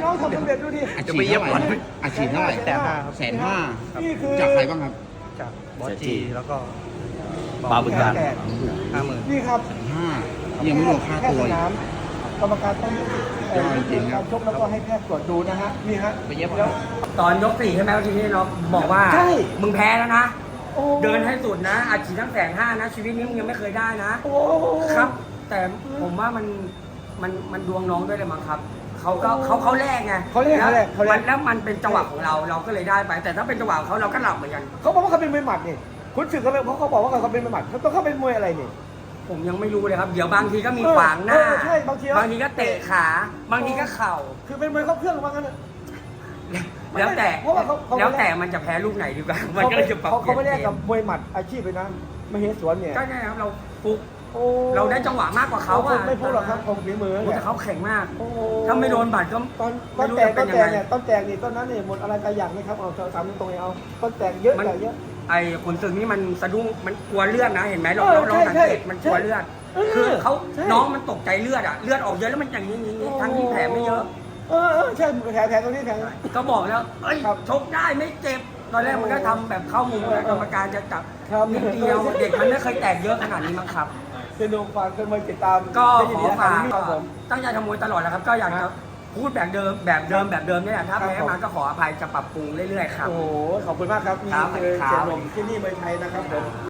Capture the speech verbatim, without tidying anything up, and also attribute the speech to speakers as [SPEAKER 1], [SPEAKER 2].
[SPEAKER 1] น้องทำสำเร็จดูดิ
[SPEAKER 2] อาชีพเท่าไหร่อาชีพเท่าไหร่
[SPEAKER 1] แสนห้า
[SPEAKER 2] แสนห้า
[SPEAKER 1] นี่คือ
[SPEAKER 2] จากใครบ้างครับ
[SPEAKER 3] จากบอสจีแล้วก็
[SPEAKER 4] ปาบึกการ
[SPEAKER 1] แปด
[SPEAKER 3] ห้าหมื่น
[SPEAKER 1] นี่ครับ
[SPEAKER 2] ห้ายังไม่รวมค่า
[SPEAKER 1] แพท
[SPEAKER 2] ตัว
[SPEAKER 1] ย์ส
[SPEAKER 2] อีก
[SPEAKER 1] นามกรรมการต้อง
[SPEAKER 2] ยอดจริงๆครับ
[SPEAKER 1] การชกแล้วก็ให้แพทย์ตรวจดูนะฮะนี่ฮะ
[SPEAKER 2] ไปเย็บ
[SPEAKER 1] แล้ว
[SPEAKER 5] ตอนยกสี่ใช่ไหมทีนี้เราบอกว่า
[SPEAKER 1] ใช่
[SPEAKER 5] มึงแพ้แล้วนะ
[SPEAKER 1] โอ้
[SPEAKER 5] เดินให้สุดนะอาชีพทั้งแสนห้านะ ชีวิตนี้มึงยังไม่เคยได้นะ
[SPEAKER 1] โอ้
[SPEAKER 5] ครับ แต่ผมว่ามันมันมันดวงน้องด้วยเลยมั้งครับเขาก็เขาเขาแลกไง
[SPEAKER 1] เขาเรียกเขาเรียกเขา
[SPEAKER 5] มั
[SPEAKER 1] เรีย
[SPEAKER 5] น
[SPEAKER 1] ก
[SPEAKER 5] แล้วมันเป็นจังหวะของเราเราก็เลยได้ไป แต่ถ้าเป็นจังหวะของเขาเราก็หลับเหมือนกัน
[SPEAKER 1] เขาบอกว่าเขาเป็นมวยหมัดนี่คุณศึกเขาเป็นเขาเขาบอกว่าเขาเป็นมวยหมัดเขาต้องเขาเป็นมวยอะไรนี่
[SPEAKER 5] ผมยังไม่รู้เลยครับ เดี๋ยวบางทีก็มี
[SPEAKER 1] เออ
[SPEAKER 5] ขวางหน้า
[SPEAKER 1] เออใช่บางที
[SPEAKER 5] บางทีก็เตะขา บางทีก็เข่า
[SPEAKER 1] คือเป็นมวยครบเครื่องว่างั้นน่ะ
[SPEAKER 5] แล้วแต่
[SPEAKER 1] เพราะว่าเขาเขา
[SPEAKER 5] แล้วแต่มันจะแพ้ลูกไหนดีกว่ามันก็เลยจะปรับ
[SPEAKER 1] เขา
[SPEAKER 5] เป
[SPEAKER 1] เขาไม่
[SPEAKER 5] ลี่
[SPEAKER 1] ได้
[SPEAKER 5] ยนเก
[SPEAKER 1] กับ
[SPEAKER 5] ม
[SPEAKER 1] มวยหมัดอาชีพเลยนะมเหสวนเนี่ย
[SPEAKER 5] ก็ใช่ครับเราฟุก
[SPEAKER 1] โอ้
[SPEAKER 5] เราได้จังหวะมากกว่าเขาอะ
[SPEAKER 1] ไม่พูดหรอกครับผมฝีมือ
[SPEAKER 5] โอ้
[SPEAKER 1] เนี่ย
[SPEAKER 5] แต่เขาแข็งมาก
[SPEAKER 1] โอ้
[SPEAKER 5] ถ้าไม่โดนบาดก็
[SPEAKER 1] ตอนต
[SPEAKER 5] ไม่
[SPEAKER 1] อน
[SPEAKER 5] รู้
[SPEAKER 1] แตก
[SPEAKER 5] จะ
[SPEAKER 1] ต
[SPEAKER 5] เป็
[SPEAKER 1] อน น
[SPEAKER 5] ยัง
[SPEAKER 1] แต
[SPEAKER 5] ไง
[SPEAKER 1] กเนี่ยตอนแตกนี่ต้นนั้นนี่หมดอะไรตายอย่างไหมครับเอาถามตรงๆเอาต้นแตกเยอะ
[SPEAKER 5] มัน
[SPEAKER 1] ใหญ่เยอะ
[SPEAKER 5] ไอ้ขนศึกนี่มันสะดุ้งมันกลัวเลือดนะเห็นไหมเรา
[SPEAKER 1] เออ
[SPEAKER 5] เราเรา
[SPEAKER 1] ใช่
[SPEAKER 5] สังเกต
[SPEAKER 1] ใช่
[SPEAKER 5] มันกลัวเลือด
[SPEAKER 1] เออ
[SPEAKER 5] คือเขา
[SPEAKER 1] ใช่
[SPEAKER 5] น้องมันตกใจเลือดอะเลือดออกเยอะแล้วมันอย่างนี้อย่างนี้ทั้งที่แผลไม่เยอะ
[SPEAKER 1] เออเออใช่แผลแผลตรงนี้แผล
[SPEAKER 5] ก็บอกแล้วเอ้ย
[SPEAKER 1] ครับ
[SPEAKER 5] ชกได้ไม่เจ็บ ตอนแรกมันก็ทำแบบเข้ามุมแล้วกรรมการจะจับ
[SPEAKER 1] ครับ
[SPEAKER 5] นิดเดียวเด็กมันไม่เคยแตกเยอะขนาดนี้มั้งครับ
[SPEAKER 1] สนุกฝากคนมาติดตาม
[SPEAKER 5] ก็
[SPEAKER 1] ได้
[SPEAKER 5] ข
[SPEAKER 1] ยิน
[SPEAKER 5] อ
[SPEAKER 1] ดีนะค
[SPEAKER 5] ฝา
[SPEAKER 1] รับ
[SPEAKER 5] ก
[SPEAKER 1] นี่ครับผม
[SPEAKER 5] ตั้งใจทำมวยตลอดแหละครับ ก็อยากจะพูดแบบเดิมแบบเดิมแบบเดิมเนี่ยแหละถ้า
[SPEAKER 1] ครับ
[SPEAKER 5] แพ้มาก็ขออภัยจะปรับปรุงเรื่อยๆครับ
[SPEAKER 1] โอ้โหขอบคุณมากครับนี่
[SPEAKER 5] ครับ
[SPEAKER 1] คือ
[SPEAKER 5] ครับ
[SPEAKER 1] เสียหนุ่มที่นี่เมืองไทยนะครับผม